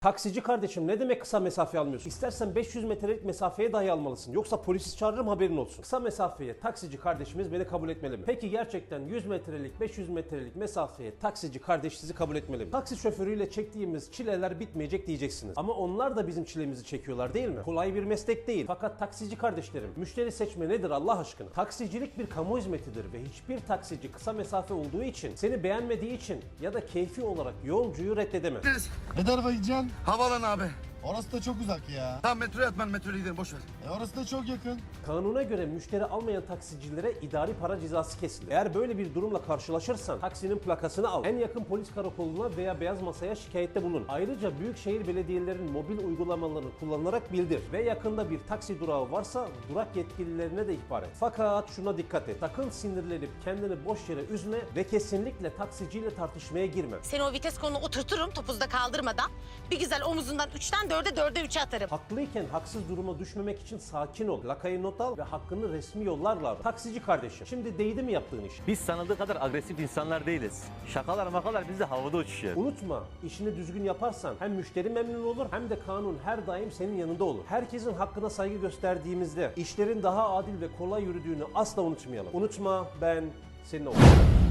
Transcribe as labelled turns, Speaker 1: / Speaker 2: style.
Speaker 1: Taksici kardeşim, ne demek kısa mesafe almıyorsun? İstersen 500 metrelik mesafeye dahi almalısın. Yoksa polisi çağırırım, haberin olsun. Kısa mesafeye taksici kardeşimiz beni kabul etmeli mi? Peki gerçekten 100 metrelik 500 metrelik mesafeye taksici kardeş sizi kabul etmeli mi? Taksi şoförüyle çektiğimiz çileler bitmeyecek diyeceksiniz. Ama onlar da bizim çilemizi çekiyorlar değil mi? Kolay bir meslek değil. Fakat taksici kardeşlerim, müşteri seçme nedir Allah aşkına? Taksicilik bir kamu hizmetidir ve hiçbir taksici kısa mesafe olduğu için, seni beğenmediği için ya da keyfi olarak yolcuyu reddedemez.
Speaker 2: Ne tarafa gideceksin?
Speaker 3: Havalan abi.
Speaker 2: Orası da çok uzak ya.
Speaker 3: Tamam metroya at, ben metroya gidelim, boş ver.
Speaker 2: Orası da çok yakın.
Speaker 1: Kanuna göre müşteri almayan taksicilere idari para cezası kesilir. Eğer böyle bir durumla karşılaşırsan taksinin plakasını al. En yakın polis karakoluna veya beyaz masaya şikayette bulun. Ayrıca büyükşehir belediyelerinin mobil uygulamalarını kullanarak bildir. Ve yakında bir taksi durağı varsa durak yetkililerine de ihbar et. Fakat şuna dikkat et. Sakın sinirlenip kendini boş yere üzme ve kesinlikle taksiciyle tartışmaya girme.
Speaker 4: Seni o vites koluna oturturum topuzda kaldırmadan. Bir güzel omuzundan 3'ten 4'e 4'e 3'e atarım.
Speaker 1: Haklıyken haksız duruma düşmemek için sakin ol. Lakayı not al ve hakkını resmi yollarla ara. Taksici kardeşim, şimdi değdi mi yaptığın iş?
Speaker 5: Biz sanıldığı kadar agresif insanlar değiliz. Şakalar makalar bizde havada uçuşuyor.
Speaker 1: Unutma, işini düzgün yaparsan hem müşteri memnun olur hem de kanun her daim senin yanında olur. Herkesin hakkına saygı gösterdiğimizde işlerin daha adil ve kolay yürüdüğünü asla unutmayalım. Unutma, ben senin oğlum.